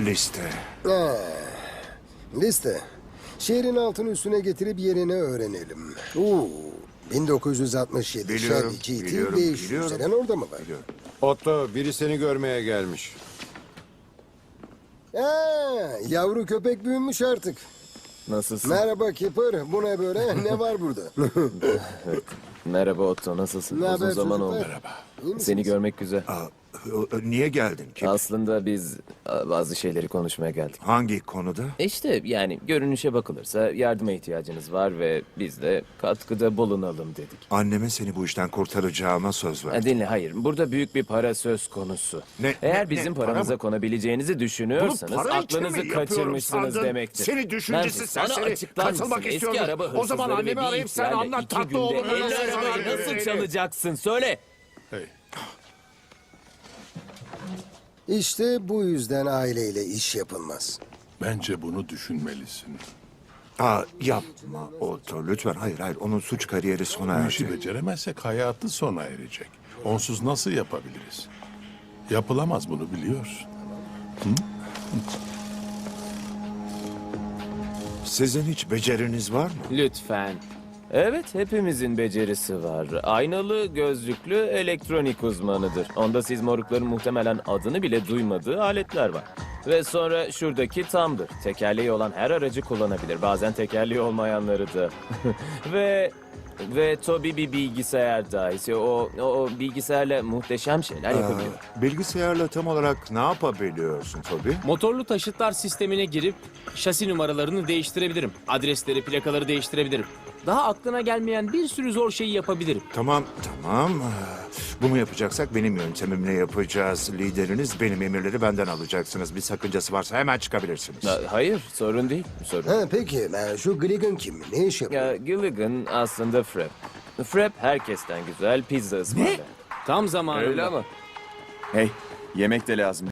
Liste. Liste. Şehrin altını üstüne getirip yerini öğrenelim. 1967. Biliyorum, Chevy GT biliyorum, 500. biliyorum. Selen orada mı var? Biliyorum. Otto, biri seni görmeye gelmiş. Yavru köpek büyümüş artık. Nasılsın? Merhaba Kipper. Bu ne böyle? Ne var burada? Merhaba Otto, nasılsın? Ne Uzun haber zaman çocuklar? oldu. İyi misiniz? Seni görmek güzel. Niye geldin ki? Aslında biz bazı şeyleri konuşmaya geldik. Hangi konuda? İşte yani görünüşe bakılırsa yardıma ihtiyacınız var ve biz de katkıda bulunalım dedik. Anneme seni bu işten kurtaracağıma söz verdim. Dinle, hayır. Burada büyük bir para söz konusu. Eğer bizim para paramıza mı? konabileceğinizi düşünüyorsanız Bunu para için mi aklınızı yapıyorum kaçırmışsınız sandın? demektir. Seni düşüncesiz Nancy, sana serseri. açıklar Katılmak mısın? istiyorum. Eski araba O zaman hırsızları annemi ve bir arayıp sen ihtiyalle anlat, 2 tatlı günde oğlum, 50 öyle arabayı söyle. nasıl çalacaksın? Söyle. Hey, İşte bu yüzden aileyle iş yapılmaz. Bence bunu düşünmelisin. Yapma Otto lütfen. Hayır onun suç kariyeri sona Bu işi erdi. beceremezsek hayatı sona erecek. Onsuz nasıl yapabiliriz? Yapılamaz, bunu biliyorsun. Sizin hiç beceriniz var mı? Lütfen. Evet, hepimizin becerisi var. Aynalı, gözlüklü, elektronik uzmanıdır. Onda siz morukların muhtemelen adını bile duymadığı aletler var. Ve sonra şuradaki tamdır. Tekerleği olan her aracı kullanabilir. Bazen tekerleği olmayanları da. ve Toby bir bilgisayar dahisi. O bilgisayarla muhteşem şeyler yapabiliyor. Bilgisayarla tam olarak ne yapabiliyorsun Toby? Motorlu taşıtlar sistemine girip şasi numaralarını değiştirebilirim. Adresleri, plakaları değiştirebilirim. Daha aklına gelmeyen bir sürü zor şeyi yapabilirim. Tamam. Bunu yapacaksak benim yöntemimle yapacağız. Lideriniz benim emirleri benden alacaksınız. Bir sakıncası varsa hemen çıkabilirsiniz. Hayır, sorun değil. Peki şu Gligan kim? Ne iş yapıyor? Ya, Gilligan aslında Frep. Frep herkesten güzel pizza ısmarlar. Tam zamanında. Öyle ama. Hey, yemek de lazım.